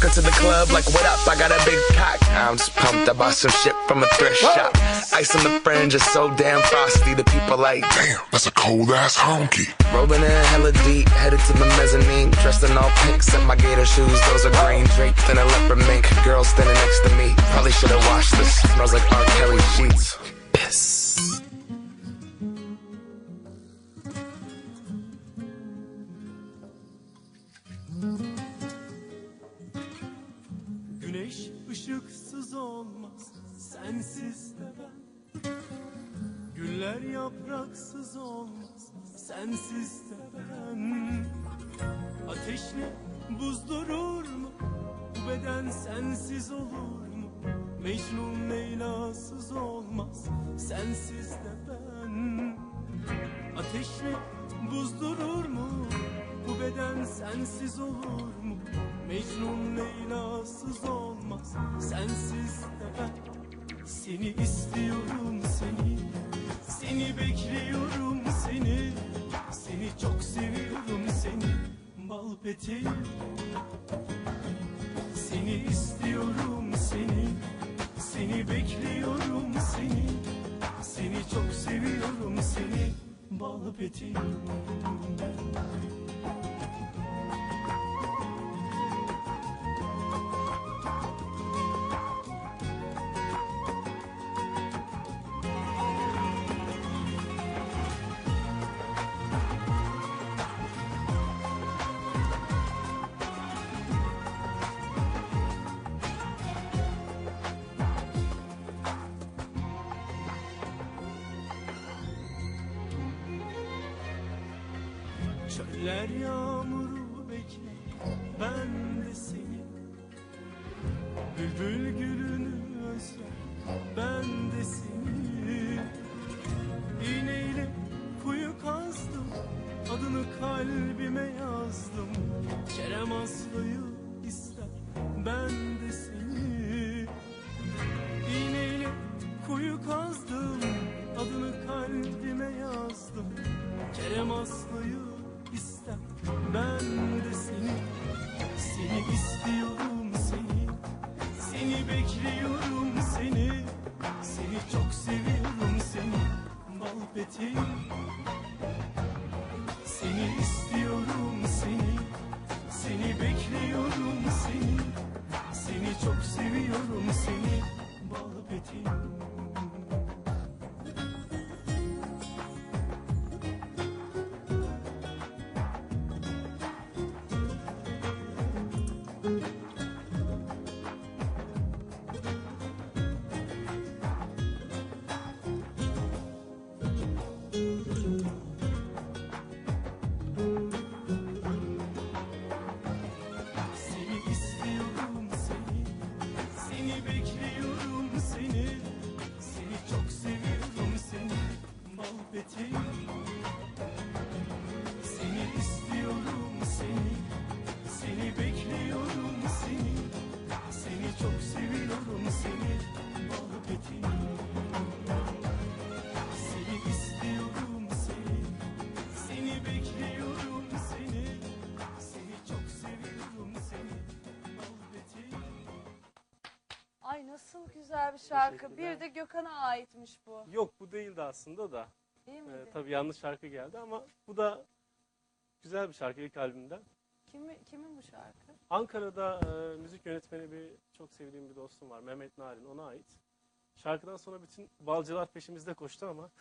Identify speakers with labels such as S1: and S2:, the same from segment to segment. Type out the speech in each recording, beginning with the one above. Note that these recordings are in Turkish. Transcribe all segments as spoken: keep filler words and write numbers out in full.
S1: her to the club like, what up, I got a big cock. I'm just pumped, I bought some shit from a thrift shop. Ice on the fringe is so damn frosty, the people like,
S2: damn, that's a cold ass honky.
S1: Rolling in hella deep, headed to the mezzanine. Dressed in all pink, set my gator shoes, those are green. Draped in a leopard mink, girl standing next to me. Probably should've washed this, smells like R. Kelly sheets. Piss.
S3: Güneş ışıksız olmaz, sensiz de ben. Güller yapraksız olmaz, sensiz de ben. Ateşle buz durur mu? Bu beden sensiz olur mu? Mecnun Leyla'sız olmaz, sensiz de ben. Ateşle buz durur mu? Bu beden sensiz olur mu? Mecnun Leyla'sız olmaz, sensiz de ben. Seni istiyorum seni, seni bekliyorum seni. Seni çok seviyorum seni, bal peteğim. Seni istiyorum seni, seni bekliyorum seni. Seni çok seviyorum seni, bal peteğim. Çöller yağmuru bekler, ben de seni. Bülbül gülünü özler, ben de seni. İğneyle kuyu kazdım, adını kalbime yazdım. Kerem Aslı'yı ister, ben de seni. İğneyle kuyu kazdım, adını kalbime yazdım. Kerem Aslı'yı İster, ben de seni, seni istiyorum seni, seni bekliyorum seni, seni çok seviyorum seni, bal peteğim. Seni istiyorum seni, seni bekliyorum seni, seni çok seviyorum seni, bal peteğim.
S4: Ay nasıl güzel bir şarkı. Bir de Gökhan'a aitmiş bu.
S5: Yok bu değildi aslında da.
S4: Değil miydi?
S5: Ee, tabii yanlış şarkı geldi ama bu da güzel bir şarkı ilk albümden.
S4: Kimi, kimin bu şarkı?
S5: Ankara'da e, müzik yönetmeni bir çok sevdiğim bir dostum var. Mehmet Narin, ona ait. Şarkıdan sonra bütün balcılar peşimizde koştu ama.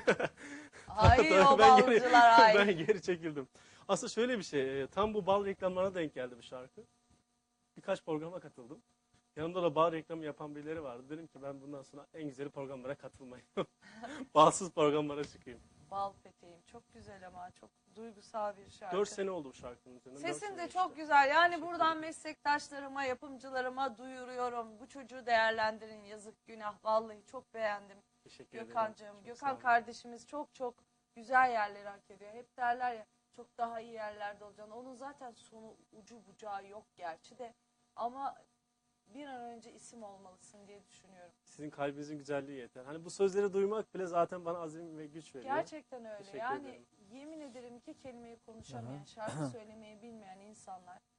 S4: Ay o balcılar ay.
S5: Ben geri çekildim. Aslında şöyle bir şey. Tam bu bal reklamlarına denk geldi bu şarkı. Birkaç programa katıldım. Yanımda da bal reklamı yapan birileri vardı. Dedim ki ben bundan sonra en güzeli programlara katılmayayım. Balsız programlara çıkayım.
S4: Bal peteğim. Çok güzel ama çok duygusal bir şarkı.
S5: Dört sene oldu bu şarkının üzerine.
S4: Sesin de çok güzel. Yani buradan meslektaşlarıma, yapımcılarıma duyuruyorum. Bu çocuğu değerlendirin. Yazık günah. Vallahi çok beğendim.
S5: Teşekkür ederim.
S4: Gökhan'cığım. Gökhan kardeşimiz çok çok güzel yerleri hak ediyor. Hep derler ya çok daha iyi yerlerde olacaksın. Onun zaten sonu ucu bucağı yok gerçi de. Ama bir an önce isim olmalısın diye düşünüyorum.
S5: Sizin kalbinizin güzelliği yeter. Hani bu sözleri duymak bile zaten bana azim ve güç veriyor.
S4: Gerçekten öyle.
S5: Teşekkür
S4: yani
S5: ederim.
S4: yemin ederim ki kelimeyi konuşamayan, şarkı söylemeyi bilmeyen insanlar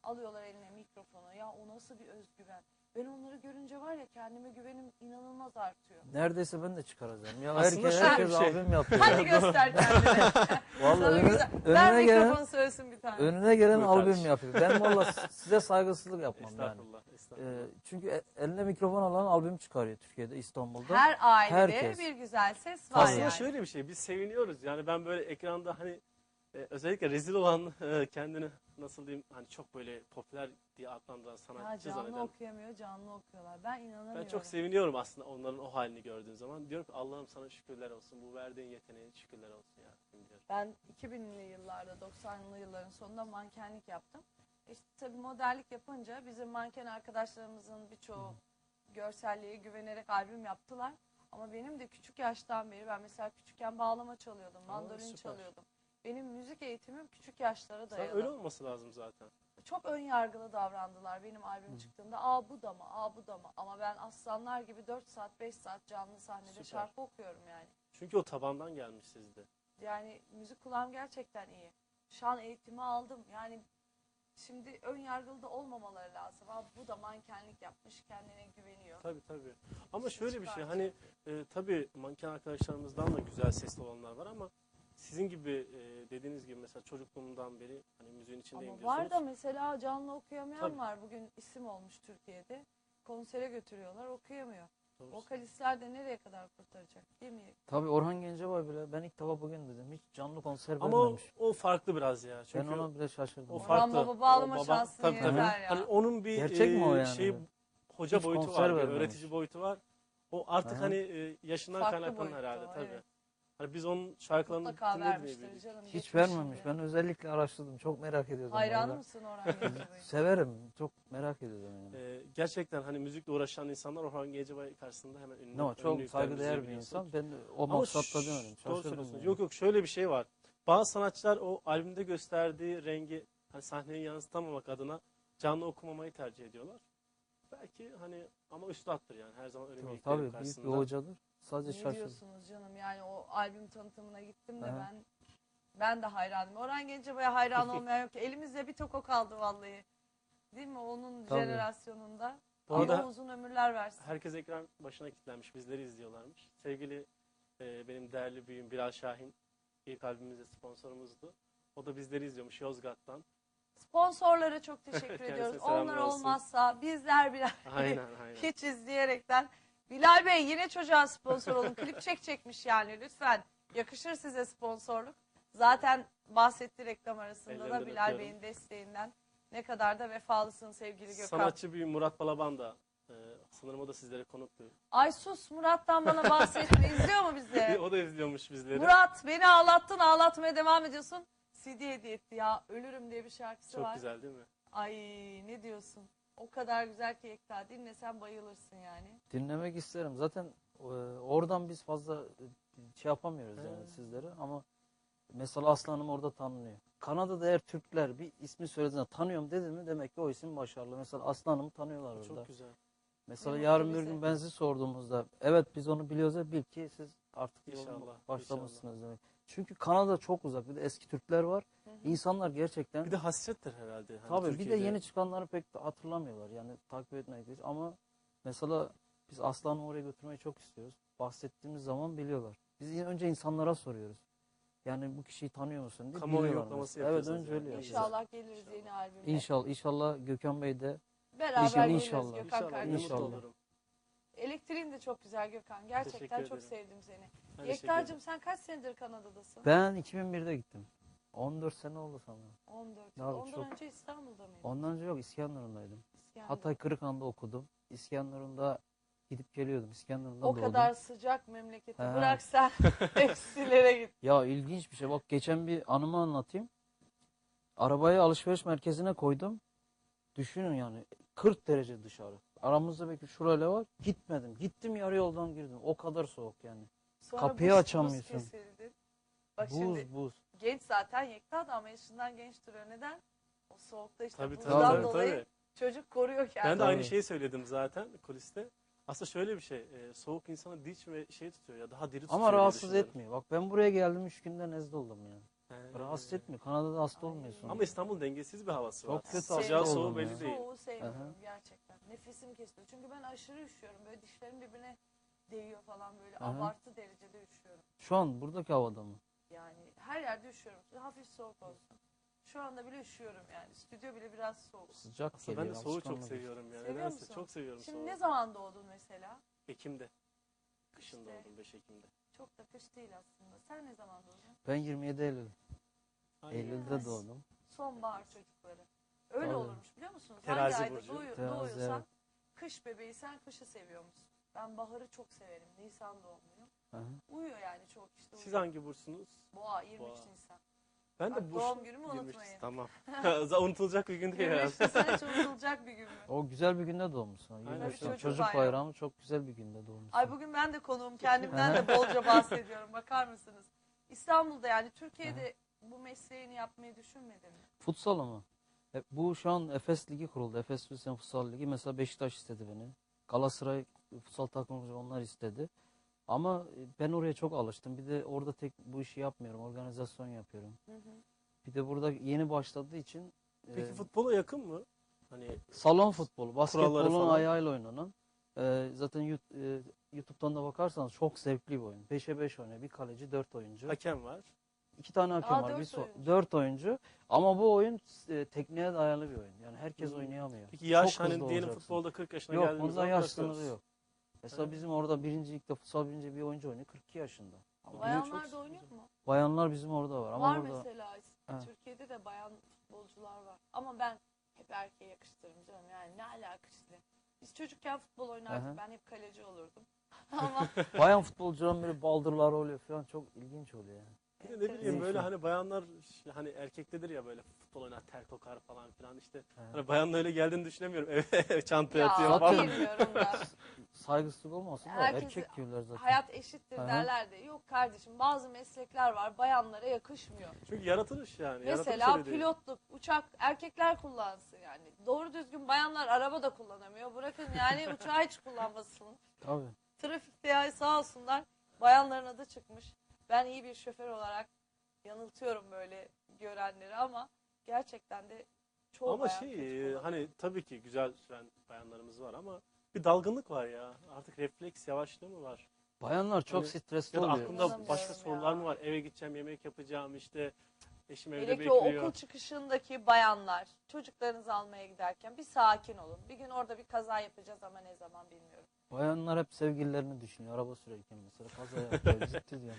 S4: Alıyorlar eline mikrofonu. Ya o nasıl bir özgüven. Ben onları görünce var ya kendime güvenim inanılmaz artıyor.
S6: Neredeyse ben de çıkaracağım. Ya
S5: Aslında
S6: herkes,
S5: şöyle
S6: herkes
S5: bir şey.
S6: albüm yapıyor.
S4: Hadi göster kendini.
S6: Vallahi
S4: Sana
S6: önüne,
S4: güzel. Ver
S6: önüne gelen,
S4: mikrofonu söylesin bir tane.
S6: önüne gelen
S5: Buyur
S6: albüm
S5: kardeşim.
S6: yapıyor. Ben valla size saygısızlık yapmam yani.
S5: Estağfurullah. Estağfurullah.
S6: Ee, çünkü e- eline mikrofon alan albüm çıkarıyor Türkiye'de, İstanbul'da.
S4: Her ailede
S6: Herkes.
S4: bir güzel ses var
S5: Aslında
S4: yani.
S5: şöyle bir şey, biz seviniyoruz. Yani ben böyle ekranda hani e, özellikle rezil olan e, kendini nasıl diyeyim hani çok böyle popüler diye adlandıran
S4: Ya
S5: sanatçı
S4: canlı
S5: zanneden.
S4: okuyamıyor, canlı okuyorlar. Ben inanamıyorum.
S5: Ben çok seviniyorum aslında onların o halini gördüğüm zaman. Diyorum ki Allah'ım sana şükürler olsun. Bu verdiğin yeteneğe şükürler olsun ya. Diyorum.
S4: Ben iki binli yıllarda, doksanlı yılların sonunda mankenlik yaptım. İşte tabii modellik yapınca bizim manken arkadaşlarımızın birçoğu görselliğe güvenerek albüm yaptılar. Ama benim de küçük yaştan beri, ben mesela küçükken bağlama çalıyordum, mandolin
S5: süper.
S4: çalıyordum. Benim müzik eğitimim küçük yaşlara
S5: Sen
S4: dayalı.
S5: öyle olması lazım zaten.
S4: Çok ön yargılı davrandılar benim albüm çıktığında. Aa bu da mı, aa bu da mı? Ama ben aslanlar gibi dört saat, beş saat canlı sahnede
S5: Süper.
S4: şarkı okuyorum yani.
S5: Çünkü o tabandan gelmiş sizde.
S4: Yani müzik kulağım gerçekten iyi. Şan eğitimi aldım. Yani şimdi ön yargılı da olmamaları lazım. Aa, bu da mankenlik yapmış, kendine güveniyor.
S5: Tabii tabii. Ama
S4: İşte
S5: şöyle bir şey
S4: çıkartıyor.
S5: hani e, tabii manken arkadaşlarımızdan da güzel sesli olanlar var ama sizin gibi e, dediğiniz gibi mesela çocukluğumdan beri hani müziğin içindeyim
S4: Ama
S5: diyorsunuz.
S4: var da mesela canlı okuyamayan
S5: Tabii.
S4: var. Bugün isim olmuş Türkiye'de. Konsere götürüyorlar, okuyamıyor.
S5: Doğru.
S4: Vokalistler de nereye kadar kurtaracak değil mi?
S6: Tabii Orhan Gencebay bile ben ilk defa bugün dedim. Hiç canlı konser
S5: Ama o,
S6: vermemiş.
S5: o farklı biraz ya.
S6: Ben
S5: Çünkü
S6: ona bile şaşırdım.
S5: o
S6: yani.
S5: farklı.
S4: Baba bağlama
S5: O baba-
S4: şansını
S5: tabii, tabii.
S4: yeter ya.
S5: Hani onun bir
S6: Gerçek mi o
S5: e,
S6: yani?
S5: şey hoca
S6: Hiç
S5: boyutu
S6: konser
S5: var, bir
S6: vermemiş.
S5: öğretici boyutu var. O artık
S6: Aha.
S5: hani e, yaşından
S4: Farklı
S5: kaynaklanan
S4: boyutta
S5: herhalde
S4: o,
S5: tabii.
S4: evet.
S5: Hani biz onun şarkılarını
S4: Mutlaka
S5: dinlediğini
S4: vermiştir
S5: bildik.
S4: canım.
S6: Hiç
S4: geçmişinde.
S6: vermemiş. Ben özellikle araştırdım. Çok merak ediyordum.
S4: Hayranı
S6: vallahi.
S4: mısın Orhan Gencebay'ın?
S6: Severim. Çok merak ediyordum yani.
S5: E, gerçekten hani müzikle uğraşan insanlar Orhan Gencebay karşısında hemen ünlü.
S6: No, çok
S5: ünlü
S6: saygıdeğer bir
S5: yüklerini
S6: insan. Ben de o
S5: Ama
S6: maksatla
S5: ş-
S6: demedim.
S5: Doğru
S6: Şaşırdım.
S5: söylüyorsun.
S6: yani.
S5: Yok yok şöyle bir şey var. Bazı sanatçılar o albümde gösterdiği rengi hani sahneye yansıtamamak adına canlı okumamayı tercih ediyorlar. Belki hani ama üstattır yani her zaman önemli
S6: Tabii,
S5: ilklerin
S6: tabii büyük bir
S5: karşısında.
S6: hocadır. Sadece
S4: Ne
S6: şaşırdım.
S4: diyorsunuz canım? Yani o albüm tanıtımına gittim de
S6: Aha.
S4: ben ben de hayranım. Orhan Gencebay'a hayran olmayan yok. Elimizde bir tok o kaldı vallahi. Değil mi? Onun
S6: Tabii.
S4: jenerasyonunda.
S5: Bu
S4: Allah
S5: arada
S4: uzun ömürler versin.
S5: herkes ekran başına kilitlenmiş. Bizleri izliyorlarmış. Sevgili e, benim değerli büyüğüm Bilal Şahin ilk albümümüzde sponsorumuzdu. O da bizleri izliyormuş Yozgat'tan.
S4: Sponsorlara çok teşekkür
S5: Kendisine
S4: ediyoruz.
S5: selamlar
S4: Onlar
S5: olsun.
S4: olmazsa bizler birer
S5: Aynen aynen.
S4: hiç izleyerekten. Bilal Bey yine çocuğa sponsor olun. Klip çekecekmiş yani lütfen. Yakışır size sponsorluk. Zaten bahsetti reklam arasında da
S5: Ellerinden
S4: Bilal
S5: öpüyorum.
S4: Bey'in desteğinden. Ne kadar da vefalısın sevgili Gökhan.
S5: Sanatçı büyüğüm Murat Balaban da e, sanırım o da sizlere konuktu.
S4: Ay sus, Murat'tan bana bahsetme. İzliyor mu bizi?
S5: O da izliyormuş bizleri.
S4: Murat beni ağlattın, ağlatmaya devam ediyorsun. C D hediye etti ya. Ölürüm diye bir şarkısı
S5: Çok
S4: var.
S5: güzel değil mi?
S4: Ay ne diyorsun? O kadar güzel ki Yekta. Dinlesen bayılırsın yani.
S6: Dinlemek isterim. Zaten e, oradan biz fazla e, şey yapamıyoruz yani
S5: He.
S6: sizlere ama mesela Aslanım orada tanınıyor. Kanada'da eğer Türkler bir ismi söylediğinde tanıyorum dedi mi demek ki o isim başarılı. Mesela Aslanım'ı tanıyorlar orada.
S5: Çok güzel.
S6: Mesela
S4: Ne
S6: yarın
S4: mutlu
S6: bir
S4: bize.
S6: gün ben sizi sorduğumuzda evet biz onu biliyoruz ya bil ki siz artık yoluna
S5: İnşallah,
S6: başlamışsınız demek. Çünkü Kanada çok uzak. Bir de eski Türkler var. İnsanlar gerçekten
S5: Bir de hasrettir herhalde. Hani
S6: tabii bir de
S5: Türkiye'de.
S6: yeni çıkanları pek de hatırlamıyorlar. Yani takip etmek değil. Ama mesela biz Aslan'ı oraya götürmeyi çok istiyoruz. Bahsettiğimiz zaman biliyorlar. Biz yine önce insanlara soruyoruz. Yani bu kişiyi tanıyor musun diye
S5: Kamuoyu
S6: biliyorlar
S5: yoklaması
S6: mesela. Evet
S5: yapıyorsunuz
S6: önce
S5: yani.
S6: öyle yapıyoruz.
S4: İnşallah geliriz yeni albümle.
S6: İnşallah. İnşallah Gökhan Bey de
S4: Beraber
S6: İnşallah,
S4: geliriz
S6: inşallah.
S4: Gökhan
S5: İnşallah.
S4: kardeşim.
S5: Ne mutlu
S6: İnşallah.
S5: olurum.
S4: Elektriğin de çok güzel Gökhan. Gerçekten
S5: Teşekkür
S4: çok
S5: ederim.
S4: sevdim seni.
S5: Ben teşekkür
S4: Yekta'cığım
S5: ederim.
S4: sen kaç senedir Kanada'dasın?
S6: ben iki bin birde gittim. on dört sene oldu sanırım.
S4: on dört yıl.
S6: Abi
S4: Ondan
S6: çok-
S4: önce İstanbul'da mıydın?
S6: Ondan önce yok İskenderun'daydım.
S4: İskenderun.
S6: Hatay Kırıkhan'da okudum. İskenderun'da gidip geliyordum. İskenderun'da
S4: O
S6: doğdum.
S4: kadar sıcak memleketi
S6: He.
S4: bırak sen hepsilere git.
S6: Ya ilginç bir şey. Bak geçen bir anımı anlatayım. Arabayı alışveriş merkezine koydum. Düşünün yani kırk derece dışarı. Aramızda belki şurayla var. Gitmedim. Gittim yarı yoldan girdim. O kadar soğuk yani.
S4: Sonra
S6: Kapıyı
S4: buz-
S6: açamıyorsun.
S4: Buz kesildin. Bak
S6: Buz
S4: şimdi
S6: buz.
S4: genç zaten Yekta da ama yaşından genç duruyor. Neden? O soğukta işte
S5: Tabii tabii.
S4: buzdan
S5: tabii,
S4: dolayı
S5: tabii.
S4: çocuk koruyor kendini.
S5: Ben de aynı
S6: Tabii.
S5: şeyi söyledim zaten kuliste. Aslında şöyle bir şey. e, soğuk insanı dinç ve şey tutuyor ya daha diri tutuyor
S6: Ama
S5: diye
S6: rahatsız
S5: düşünüyorum.
S6: etmiyor. Bak ben buraya geldim üç günde nezle oldum yani.
S5: He.
S6: Rahatsız etmiyor. Kanada'da hasta olmuyorsun.
S5: Ama İstanbul dengesiz bir havası var.
S6: Çok kötü
S5: Sıcağı
S6: hasta
S5: soğuğu
S6: oldum
S5: belli
S6: ya.
S5: değil.
S4: Soğuğu sevmiyorum
S6: Aha.
S4: gerçekten. Nefesim kesiliyor. Çünkü ben aşırı üşüyorum. Böyle dişlerim birbirine değiyor falan böyle.
S6: Aha.
S4: Abartı derecede üşüyorum.
S6: Şu an buradaki havada mı?
S4: Yani her yerde üşüyorum. Hafif soğuk olsun. Şu anda bile üşüyorum yani. Stüdyo bile biraz soğuk.
S6: Sıcak
S5: Aslında
S6: geliyor.
S5: ben de soğuğu çok
S6: alışkanlık.
S5: seviyorum ya.
S4: Seviyor
S5: Nedense
S4: musun?
S5: çok seviyorum
S4: Şimdi
S5: soğuğu.
S4: ne zaman doğdun mesela?
S5: Ekim'de. Kışın
S4: İşte.
S5: doğdum beş Ekim'de.
S4: Çok da kış değil aslında. Sen ne zaman doğdun?
S6: Ben yirmi yedi Eylül.
S5: Aynen.
S6: Eylül'de
S4: Yes.
S6: doğdum.
S4: Sonbahar çocukları. Öyle
S6: Tabii.
S4: olurmuş biliyor musunuz?
S5: Terazi
S4: Hangi ayda
S5: burcu.
S4: doğuyor,
S6: Terazi,
S4: doğuyorsan
S6: evet.
S4: kış bebeğiysen kışı seviyormuş. Ben baharı çok severim. Nisan doğumluyum.
S6: Aha.
S4: Uyuyor yani çok işte.
S5: Siz
S4: uyuyor.
S5: hangi burçsunuz?
S4: Boğa yirmi üç
S5: Boğa.
S4: Nisan.
S5: Ben de
S4: Bak,
S5: burç.
S4: doğum günümü
S5: yirmi üç
S4: unutmayın.
S5: Tamam. Unutulacak bir gün değil
S4: yirmi
S5: ya.
S4: üç Nisan hiç unutulacak bir gün mü?
S6: O güzel bir günde doğmuşsun.
S5: Aynen,
S6: yirmi üç
S5: çocuk
S6: Çocuk, çocuk
S4: bayramı.
S6: bayramı çok güzel bir günde doğmuşsun.
S4: Ay bugün ben de konuğum. Kendimden de bolca bahsediyorum. Bakar mısınız? İstanbul'da yani Türkiye'de bu mesleğini yapmayı düşünmedin mi?
S6: Futsal mı? E, bu şu an Efes Ligi kuruldu. Efes Hüseyin Futsal Ligi. Mesela Beşiktaş istedi beni. Galatasaray futsal takımı onlar istedi. Ama e, ben oraya çok alıştım. Bir de orada tek bu işi yapmıyorum. Organizasyon yapıyorum.
S4: Hı hı.
S6: Bir de burada yeni başladığı için e,
S5: Peki futbola yakın mı? Hani
S6: salon futbolu,
S5: Kuralları
S6: basketbolun
S5: falan.
S6: ayağıyla oynanan. e, zaten Yu- e, YouTube'dan da bakarsanız çok zevkli bir oyun. beşe beş oynuyor. Bir kaleci, dört oyuncu.
S5: hakem var.
S6: İki tane hakem
S4: Aa,
S6: var.
S4: dört
S6: Bir so-
S4: oyuncu.
S6: dört oyuncu. Ama bu oyun e, tekniğe dayalı bir oyun. Yani herkes
S5: Hmm.
S6: oynayamıyor.
S5: Peki yaş
S6: Çok hızlı
S5: hani diyelim
S6: olacaksın.
S5: futbolda kırk yaşına
S6: Yok,
S5: geldiğimiz
S6: bunda
S5: zaman
S6: yaş
S5: bırakıyoruz.
S6: sınırı yok. Mesela
S5: Evet.
S6: bizim orada birinci ligde futsal birinci bir oyuncu oynuyor kırk iki yaşında. Ama
S4: Bayanlar
S5: çok-
S4: da oynuyor mu?
S6: bayanlar bizim orada var. Ama
S4: var
S6: burada
S4: mesela.
S6: Ha.
S4: Türkiye'de de bayan futbolcular var. Ama ben hep erkeğe yakıştırırım canım. Yani ne alaka işte. Biz çocukken futbol oynardık.
S6: Aha.
S4: Ben hep kaleci olurdum. Ama
S6: bayan futbolcuların böyle baldırları oluyor falan, çok ilginç oluyor yani.
S5: Bir de ne bileyim
S4: enteresan.
S5: böyle hani bayanlar işte hani erkektedir ya böyle futbol oynar ter kokar falan filan işte.
S6: Evet.
S5: Hani bayanla öyle geldiğini düşünemiyorum. Eve çantaya
S4: ya
S5: atıyor
S6: Zaten-
S5: falan.
S4: bilmiyorum da.
S6: Saygısızlık olmasın da
S4: Herkes-
S6: erkek diyorlar zaten.
S4: Hayat eşittir
S6: Aha.
S4: derler de. Yok kardeşim bazı meslekler var bayanlara yakışmıyor.
S5: Çünkü yaratılış yani.
S4: Mesela
S5: yaratılış öyle değil.
S4: pilotluk, uçak erkekler kullansın yani. Doğru düzgün bayanlar araba da kullanamıyor. Bırakın yani uçağı hiç kullanmasın.
S6: Tabii.
S4: Trafikte ya sağ olsunlar bayanların adı çıkmış. Ben iyi bir şoför olarak yanıltıyorum böyle görenleri ama gerçekten de çoğu
S5: Ama
S4: bayan
S5: şey
S4: kötü
S5: e,
S4: kullanıyor.
S5: hani tabii ki güzel süren bayanlarımız var ama bir dalgınlık var ya. Artık refleks yavaşlığı mı var?
S6: Bayanlar çok
S5: Hani-
S6: stresli
S5: Ya da
S6: oluyor.
S5: aklında
S4: Anlamıyorum
S5: başka
S4: ya.
S5: sorular mı var? Eve gideceğim, yemek yapacağım işte. Eşim evde
S4: Hele ki o
S5: bekliyor.
S4: okul çıkışındaki bayanlar çocuklarınızı almaya giderken bir sakin olun. Bir gün orada bir kaza yapacağız ama ne zaman bilmiyorum.
S6: Bayanlar hep sevgililerini düşünüyor. Araba sürerken mesela kaza yapıyor. Ciddi diyorum.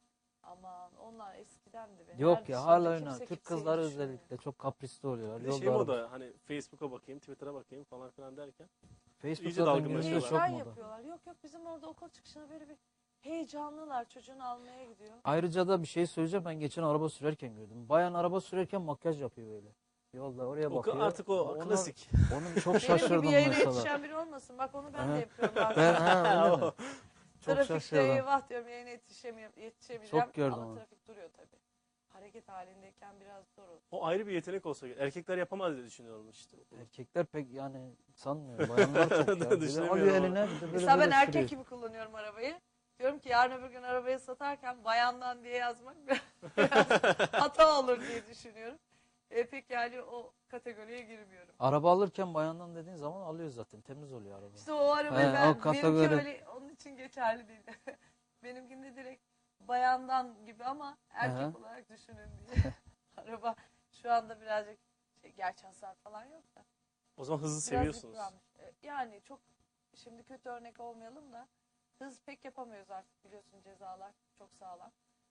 S4: Aman onlar eskidendi be.
S6: Yok
S4: Nerede
S6: ya
S4: şimdi?
S6: hala
S4: Kimse
S6: oynar. Türk
S4: kimseyi
S6: kızları
S4: düşünmüyor.
S6: özellikle çok kaprisli oluyorlar.
S5: Bir de şey
S6: Yolda
S5: moda hani Facebook'a bakayım, Twitter'a bakayım falan filan derken.
S6: Facebook
S5: iyice
S6: zaten
S5: dalgınlaşıyorlar.
S6: günümüzde çok
S4: Şeyler
S6: moda.
S4: yapıyorlar. Yok yok bizim orada okul çıkışına böyle bir heyecanlılar. Çocuğunu almaya gidiyor.
S6: Ayrıca da bir şey söyleyeceğim. Ben geçen araba sürerken gördüm. Bayan araba sürerken makyaj yapıyor böyle. Yolda oraya
S5: O,
S6: bakıyor.
S5: artık o
S6: Onlar-
S5: klasik.
S6: Onu çok
S4: Benim
S6: şaşırdım
S4: gibi yayına
S6: mesela.
S4: yetişen biri olmasın. Bak onu ben
S6: Aha.
S4: de yapıyorum bazen.
S6: Ben ha öyle mi? Çok
S4: Trafikte
S6: şaşırdım.
S4: eyvah diyorum yayına yetişemiyorum, yetişemeyeceğim.
S6: Çok gördüm
S4: ama
S6: onu.
S4: trafik duruyor tabii. Hareket halindeyken biraz zor olur.
S5: O ayrı bir yetenek olsa gerek. Erkekler yapamaz diye düşünüyorum işte.
S6: Erkekler pek yani sanmıyorum. Bayanlar çok ya. Bir de
S5: Düşünemiyorum
S6: alıyor
S5: ama.
S6: eline bir de böyle
S4: Mesela ben
S6: böyle
S4: erkek
S6: sürüyor.
S4: gibi kullanıyorum arabayı. Diyorum ki yarın öbür gün arabayı satarken bayandan diye yazmak biraz hata olur diye düşünüyorum. E, pek yani o kategoriye girmiyorum.
S6: Araba alırken bayandan dediğin zaman alıyor zaten. Temiz oluyor araba.
S4: İşte o arabayı
S6: He,
S4: ben,
S6: o kategori.
S4: benimki öyle onun için geçerli değil. Benimkinde direkt bayandan gibi ama erkek
S6: Aha.
S4: olarak düşünün diye. Araba şu anda birazcık şey, gerçi hasar falan yok da.
S5: O zaman hızlı
S4: Biraz
S5: seviyorsunuz.
S4: yıpranmış. E, Yani çok şimdi kötü örnek olmayalım da hız pek yapamıyoruz artık biliyorsun cezalar çok sağlam.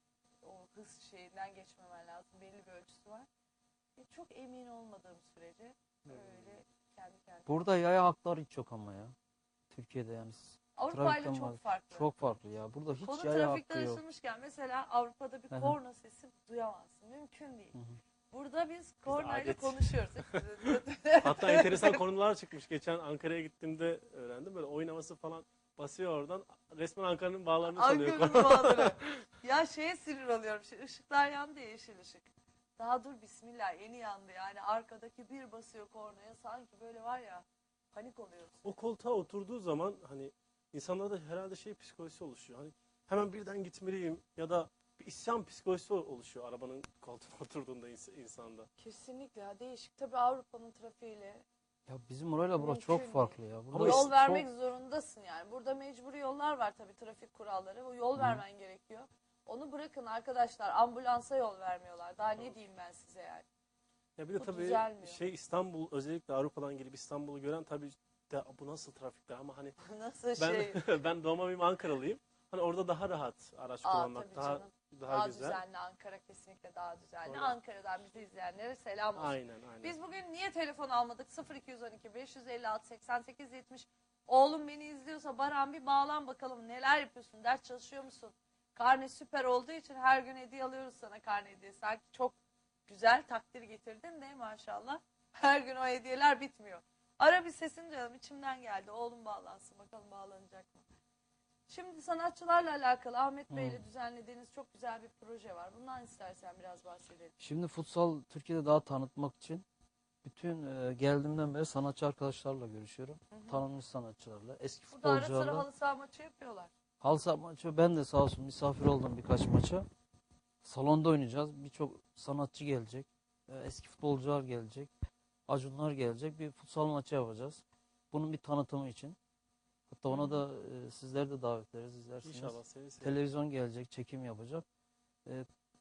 S4: O hız şeyinden geçmemen lazım. Belli bir ölçüsü var. E, çok emin olmadığım sürece öyle kendi kendine.
S6: Burada yaya hakları hiç yok ama ya. Türkiye'de yani.
S4: Avrupa ile
S6: trafikten
S4: çok
S6: var.
S4: farklı.
S6: Çok farklı ya. Burada hiç
S4: Konu
S6: yaya
S4: trafikten
S6: hakkı yok.
S4: açılmışken mesela Avrupa'da bir
S6: Aha.
S4: korna sesi duyamazsın. Mümkün değil.
S6: Hı hı.
S4: Burada biz kornayla
S5: adet.
S4: konuşuyoruz.
S5: Hatta enteresan konular çıkmış. Geçen Ankara'ya gittiğimde öğrendim. Böyle oyun havası falan basıyor oradan. Resmen Ankara'nın bağlarını çalıyor.
S4: Ankara'nın bağları. Ya şeye sinir oluyorum. Şey, ışıklar yandı ya yeşil ışık. Daha dur bismillah yeni yandı yani. Arkadaki bir basıyor kornaya sanki böyle var ya panik oluyorsun.
S5: O koltuğa oturduğu zaman hani insanlarda herhalde şey psikolojisi oluşuyor. Hani hemen birden gitmeliyim ya da bir isyan psikolojisi oluşuyor arabanın koltuğuna oturduğunda ins- insanda.
S4: Kesinlikle ya, değişik. Tabii Avrupa'nın trafiğiyle
S6: Ya bizim orayla burası
S4: Mümkün
S6: çok
S4: değil.
S6: farklı ya. Burada
S5: Ama
S4: yol
S5: işte
S4: vermek
S6: çok-
S4: zorundasın yani. Burada mecburi yollar var tabii, trafik kuralları. O yol vermen gerekiyor. Onu bırakın arkadaşlar, ambulansa yol vermiyorlar. Daha ne diyeyim ben size yani.
S5: Ya bir de
S4: Bu
S5: tabii
S4: düzelmiyor.
S5: şey İstanbul, özellikle Avrupa'dan gelip İstanbul'u gören tabii de bu nasıl trafikler ama hani
S4: Nasıl
S5: ben
S4: şey.
S5: ben doğma büyüme Ankaralıyım. Hani orada daha rahat araç
S4: Aa,
S5: kullanmak,
S4: tabii
S5: daha
S4: canım.
S5: daha,
S4: Daha
S5: güzel.
S4: düzenli Ankara, kesinlikle daha düzenli.
S5: Öyle.
S4: Ankara'dan bizi izleyenlere selam olsun.
S5: Aynen aynen.
S4: Biz bugün niye telefon almadık? sıfır iki yüz on iki beş yüz elli altı seksen sekiz yetmiş. Oğlum beni izliyorsa Baran bir bağlan bakalım, neler yapıyorsun? Ders çalışıyor musun? Karne süper olduğu için her gün hediye alıyoruz sana, karne hediyesi. Sanki çok güzel takdir getirdin de maşallah. Her gün o hediyeler bitmiyor. Ara bir sesini duyalım, içimden geldi. Oğlum bağlansın, bakalım bağlanacak mı? Şimdi sanatçılarla alakalı Ahmet Bey ile düzenlediğiniz çok güzel bir proje var. Bundan istersen biraz bahsedelim.
S6: Şimdi futsal Türkiye'de daha tanıtmak için bütün e, geldiğimden beri sanatçı arkadaşlarla görüşüyorum. Tanınmış sanatçılarla, eski
S4: Burada ara sıra
S6: futbolcularla.
S4: halı saha maçı yapıyorlar.
S6: Halı saha maçı, ben de sağ olsun misafir oldum birkaç maça. Salonda oynayacağız. Birçok sanatçı gelecek. E, eski futbolcular gelecek. Acunlar gelecek. Bir futsal maçı yapacağız. Bunun bir tanıtımı için. Hatta ona da e, sizleri de davet ederiz, izlersiniz.
S5: İnşallah seni seveyim.
S6: Televizyon gelecek, çekim yapacak. E,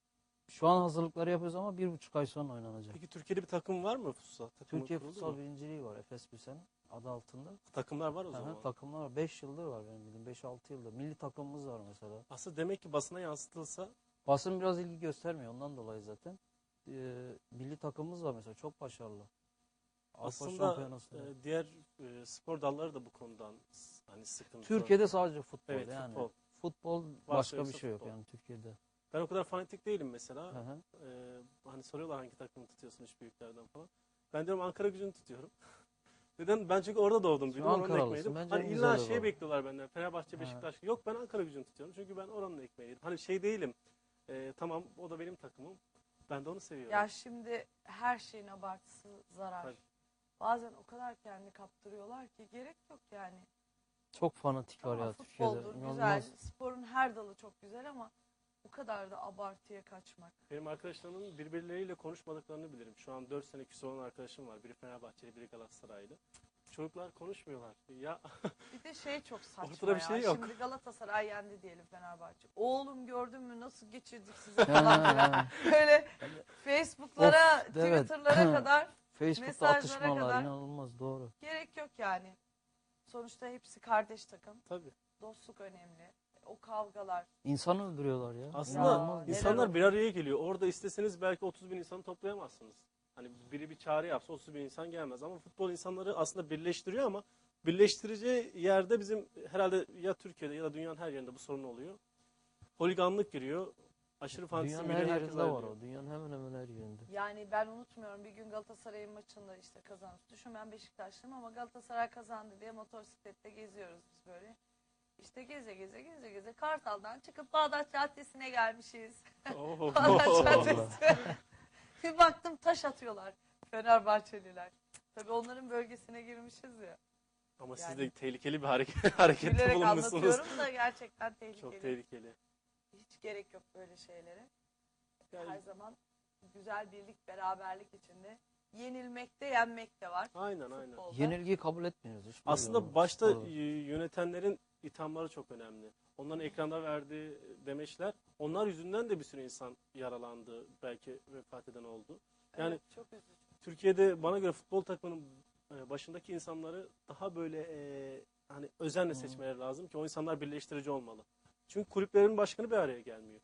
S6: şu an hazırlıkları yapıyoruz ama bir buçuk ay sonra oynanacak.
S5: Peki Türkiye'de bir takım var mı futsal? Takımı
S6: Türkiye
S5: kuruldu
S6: Futsal
S5: mu?
S6: Birinciliği var, Efes Pilsen adı altında.
S5: Takımlar var o
S6: Aha,
S5: zaman.
S6: takımlar var. beş yıldır var benim bildiğim. beş altı yıldır. Milli takımımız var mesela.
S5: Aslında demek ki basına yansıtılsa
S6: Basın biraz ilgi göstermiyor ondan dolayı zaten. Ee, milli takımımız var mesela, çok başarılı. Avrupa
S5: aslında
S6: Şampiyonası'nda.
S5: e, diğer e, spor dalları da bu konudan s- hani sıkıntı.
S6: Türkiye'de sadece futbol
S5: Evet,
S6: yani.
S5: futbol.
S6: Futbol
S5: Varsa
S6: başka bir
S5: yoksa
S6: şey yok
S5: futbol.
S6: yani Türkiye'de.
S5: Ben o kadar fanatik değilim mesela.
S6: Hı hı.
S5: Ee, hani soruyorlar hangi takımı tutuyorsun üç büyüklerden falan. Ben diyorum Ankara Gücü'nü tutuyorum. Neden? Ben çünkü orada doğdum. büyüdüm, oranın
S6: Ankaralısın.
S5: ekmeğiydim.
S6: Bence
S5: Hani
S6: en
S5: illa
S6: güzeli
S5: şey
S6: bu.
S5: bekliyorlar benden. Fenerbahçe, Beşiktaş. Yok, ben Ankara Gücü'nü tutuyorum. Çünkü ben oranın ekmeğiydim. Hani şey değilim. Ee, tamam, o da benim takımım. Ben de onu seviyorum.
S4: Ya şimdi her şeyin abartısı zarar.
S5: Tabii.
S4: Bazen o kadar kendini kaptırıyorlar ki gerek yok yani.
S6: Çok fanatik var
S4: Tamam,
S6: ya Türkiye'de.
S4: futboldur, güzel.
S6: İnanılmaz.
S4: Sporun her dalı çok güzel ama bu kadar da abartıya kaçmak.
S5: Benim arkadaşlarımın birbirleriyle konuşmadıklarını bilirim. Şu an dört sene küsur olan arkadaşım var. Biri Fenerbahçeli, biri Galatasaraylı. Çocuklar konuşmuyorlar. Ya
S4: Bir de şey çok saçma
S5: Ortada bir
S4: ya.
S5: şey yok.
S4: Şimdi Galatasaray yendi diyelim Fenerbahçe. Oğlum gördün mü nasıl geçirdik sizi
S6: Ha,
S4: falan filan.
S6: ha.
S4: Böyle Facebook'lara,
S6: Of, evet.
S4: Twitter'lara kadar
S6: Facebook'ta
S4: mesajlara
S6: atışmalar
S4: kadar-
S6: inanılmaz, doğru.
S4: gerek yok yani. Sonuçta hepsi kardeş takım.
S5: tabii.
S4: Dostluk önemli. O kavgalar.
S6: İnsan öldürüyorlar ya.
S5: Aslında
S6: İnanılmaz.
S4: neler
S5: insanlar
S4: oluyor?
S5: bir araya geliyor. Orada isteseniz belki otuz bin insanı toplayamazsınız. Hani biri bir çağrı yapsa otuz bin insan gelmez. Ama futbol insanları aslında birleştiriyor ama birleştirici yerde bizim herhalde ya Türkiye'de ya da dünyanın her yerinde bu sorun oluyor. Holiganlık giriyor. Aşırı fantezi
S6: Dünyanın her
S5: giriyor. herkes
S6: yerinde var
S5: ayrılıyor.
S6: o. Dünyanın hemen hemen her yerinde.
S4: Yani ben unutmuyorum, bir gün Galatasaray'ın maçında işte kazandı. Düşün, ben Beşiktaşlıyım ama Galatasaray kazandı diye motosiklette geziyoruz biz böyle. İşte geze geze geze geze Kartal'dan çıkıp Bağdat Caddesi'ne gelmişiz.
S5: Oo.
S4: Bağdat Caddesi. Bir baktım taş atıyorlar Fenerbahçeliler. Tabii onların bölgesine girmişiz ya.
S5: Ama siz
S4: Yani-
S5: de tehlikeli bir hareket, harekette
S4: Gülerek
S5: bulunmuşsunuz.
S4: anlatıyorum da gerçekten tehlikeli.
S5: Çok tehlikeli.
S4: Hiç gerek yok böyle şeylere.
S5: Yani-
S4: Her zaman güzel birlik, beraberlik içinde. Yenilmekte, yenmek de var.
S5: Aynen aynen.
S4: Futbolda.
S6: Yenilgiyi kabul etmiyoruz. hiçbir
S5: Aslında
S6: zaman.
S5: başta
S6: Doğru.
S5: y- yönetenlerin ithamları çok önemli. Onların ekranda verdiği demeçler, onlar yüzünden de bir sürü insan yaralandı, belki vefat eden oldu. Yani
S4: Evet, çok üzücü.
S5: Türkiye'de bana göre futbol takımının e, başındaki insanları daha böyle e, hani özenle seçmeleri lazım ki o insanlar birleştirici olmalı. Çünkü kulüplerin başkanı bir araya gelmiyor.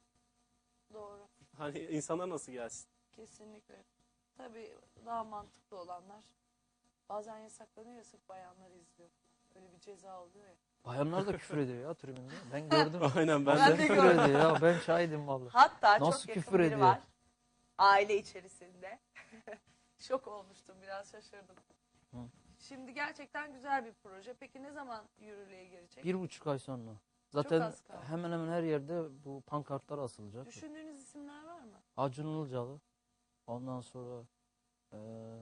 S4: Doğru.
S5: Hani insanlar nasıl gelsin?
S4: Kesinlikle. Tabii daha mantıklı olanlar bazen yasaklanıyor ya, sırf bayanlar izliyor. Öyle bir ceza oluyor ya.
S6: Bayanlar da küfür ediyor ya tribünde. Ben gördüm.
S5: Aynen ben,
S4: Ben
S5: de.
S4: de
S6: küfür
S4: gördüm.
S6: ediyor ya. Ben şahidim vallahi.
S4: Hatta
S6: Nasıl
S4: çok yakın
S6: küfür
S4: biri
S6: ediyor?
S4: var. Aile içerisinde. Şok olmuştum, biraz şaşırdım.
S6: Hı.
S4: Şimdi gerçekten güzel bir proje. Peki ne zaman yürürlüğe girecek?
S6: Bir buçuk ay sonra. Zaten
S4: az kaldı.
S6: hemen hemen her yerde bu pankartlar asılacak.
S4: Düşündüğünüz isimler var mı?
S6: Acun Ilıcalı. Ondan sonra eee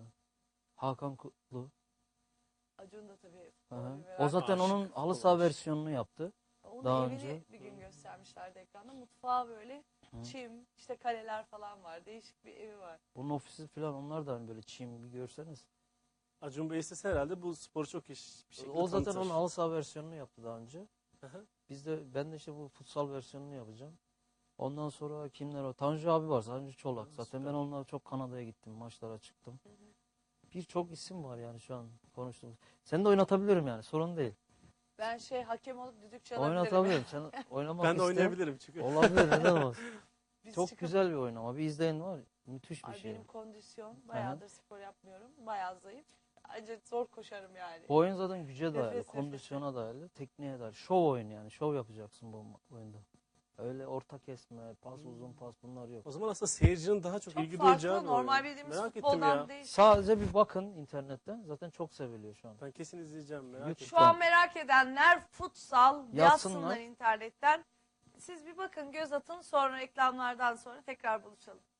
S6: Hakan Kutlu.
S4: Acun da tabii.
S6: Hı hı.
S4: futbola bir
S6: O
S4: merak-
S6: zaten
S5: Aşık
S6: onun halı
S5: futbol
S6: saha
S5: aşık.
S6: versiyonunu yaptı.
S4: Onun
S6: daha
S4: evini
S6: önce-
S4: bir gün göstermişlerdi ekranda. Mutfağı böyle çim, işte kaleler falan var. Değişik bir evi var.
S6: Bunun ofisi falan onlar da hani böyle çim bir görseniz.
S5: Acun Bey istese herhalde bu sporu çok iş bir şekilde
S6: O zaten
S5: tanıtır.
S6: onun halı saha versiyonunu yaptı daha önce.
S5: Hı hı.
S6: Biz de ben de işte bu futsal versiyonunu yapacağım. Ondan sonra kimler var? Tanju abi var. Tanju Çolak.
S5: Hı,
S6: Zaten
S5: süper.
S6: ben onunla çok Kanada'ya gittim. Maçlara çıktım. Birçok isim var yani şu an konuştuğumuz. Seni de oynatabilirim yani. Sorun değil.
S4: Ben şey hakem olup düdük çalabilirim.
S6: Oynatabilirim. Sen oynamak
S5: Ben de
S6: iste.
S5: oynayabilirim çünkü.
S6: Olabilir. Neden olmaz?
S4: Biz
S6: Çok
S4: çıkıp-
S6: güzel bir oynama. Bir izleyin var. Müthiş bir
S4: Ay,
S6: şey.
S4: benim kondisyon. Bayağıdır spor yapmıyorum. Bayağı zayıf. Acayip zor koşarım yani.
S6: Bu oyun zaten güce dayalı,
S4: Nefes nefese.
S6: kondisyona dayalı, tekniğe dayalı. Şov oyunu yani. Şov yapacaksın bu ma- oyunda. Öyle orta kesme, pas, uzun pas bunlar yok.
S5: O zaman aslında seyircinin daha çok,
S4: Çok
S5: ilgi
S4: farklı.
S5: duyacağı bir
S4: Normal
S5: oyun.
S4: bildiğimiz
S5: Merak ettim
S4: futboldan
S5: ya.
S4: değil.
S6: Sadece bir bakın internetten. Zaten çok seviliyor şu an.
S5: Ben kesin izleyeceğim, merak
S6: YouTube-
S5: ettim.
S4: Şu an merak edenler futsal
S6: Yazsınlar.
S4: yazsınlar internetten. Siz bir bakın, göz atın, sonra reklamlardan sonra tekrar buluşalım.